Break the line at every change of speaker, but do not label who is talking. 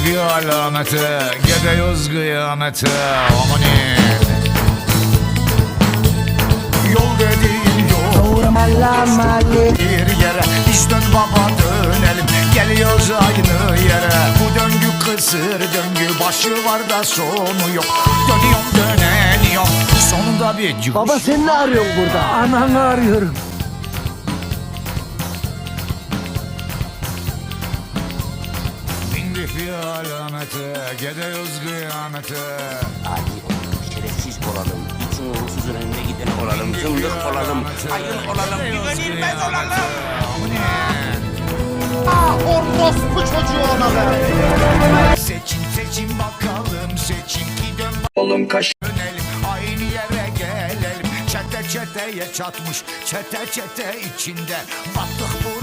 bir alamete, gidiyoruz kıyamete. Amanin. Yol dediğin yol bir yere, biz dön baba dönelim, geliyoruz aynı yere. Bu döngü kısır döngü, başı var da sonu yok. Dönüyorum döneniyorum, sonunda bir çıkış.
Baba sen ne arıyorsun burada?
Ananı arıyorum.
Bindik bir alamete, gidiyoruz kıyamete.
Adi olalım, şerefsiz olalım, itin uğursuzun önüne giden olalım, zındık olalım, hayır olalım, güvenilmez olalım.
Orospu çocuğu olalım.
Seçin seçin bakalım, seçin ki dön
Oğlum kaş.
dönelim, aynı yere gelelim. Çete çeteye çatmış, çete çete içinde battık bu